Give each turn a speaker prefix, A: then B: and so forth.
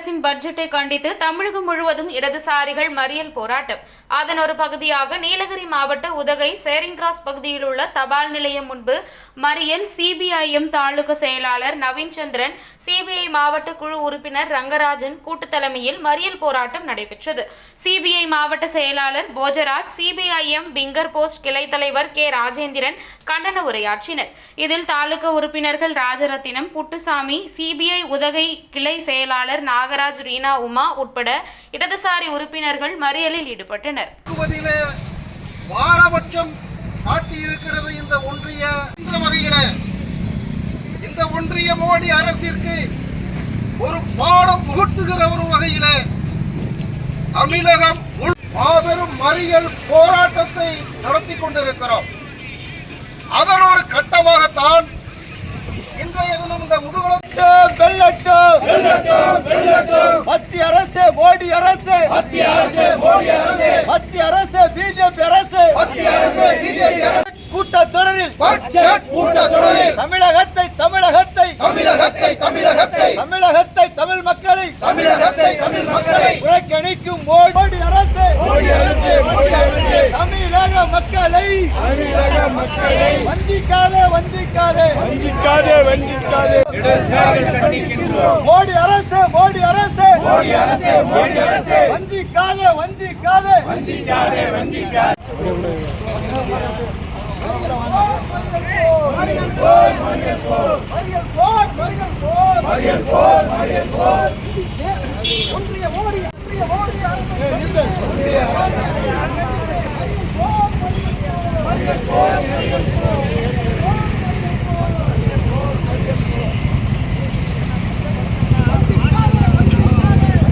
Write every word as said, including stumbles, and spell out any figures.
A: அரசின் பட்ஜெட்டை கண்டித்து தமிழகம் முழுவதும் இடதுசாரிகள் மறியல் போராட்டம். அதன் ஒரு பகுதியாக நீலகிரி மாவட்ட உதகை சேரிங் கிராஸ் பகுதியில் உள்ள தபால் நிலையம் முன்பு மறியல். சிபிஐஎம் தாலுகா செயலாளர் நவீன் சந்திரன், சிபிஐ மாவட்ட குழு உறுப்பினர் ரங்கராஜன் கூட்டு தலைமையில் மறியல் போராட்டம் நடைபெற்றது. சிபிஐ மாவட்ட செயலாளர் போஜராஜ், சிபிஐஎம் பிங்கர் போஸ்ட் கிளை தலைவர் கே ராஜேந்திரன் கண்டன உரையாற்றினர். இதில் தாலுகா உறுப்பினர்கள் ராஜரத்தினம், புட்டுசாமி, சிபிஐ உதகை கிளை செயலாளர் நாகராஜ், ரீனா, உமா உட்பட இடதுசாரி உறுப்பினர்கள் மறியலில் ஈடுபட்டனர்.
B: பாரபட்சம் காட்டியிருக்கிறது இந்த ஒன்றிய வகையில இந்த ஒன்றிய மோடி அரசிற்கு ஒரு பாடம் புகட்டுகிற ஒரு வகையில தமிழகம் மாபெரும் மறியல் போராட்டத்தை நடத்தி கொண்டிருக்கிறோம். அதன் ஒரு கட்டமாகத்தான் இன்றைய தினம் இந்த முதுகுளம் மத்திய அரசு மோடி அரசு மத்திய அரசு மோடி அரசு மத்திய அரசு பிஜேபி அரசு மத்திய அரசு பிஜேபி அரசு கூட்டத்தொடரில் கூட்டத்தொடரில் தமிழகத்தை தமிழகத்தை தமிழகத்தை தமிழகத்தை தமிழகத்தை தமிழ் மக்களை தமிழகத்தை தமிழ் மக்களை புறக்கணிக்கும் மோடி அரசு மோடி அரசு மோடி அரசு தமிழக மக்களை தமிழக மக்களை வஞ்சிக்காதே வஞ்சிக்காதே வஞ்சிக்காதே வஞ்சிக்காதே மோடி அரசு மோடி அரசு மோடி அரசு மோடி அரசு வஞ்சிக்காதே வஞ்சிக்காதே வஞ்சிக்காதே வஞ்சிக்காதே ஒன்றிய மோடி ஒன்றிய மோடி அரசு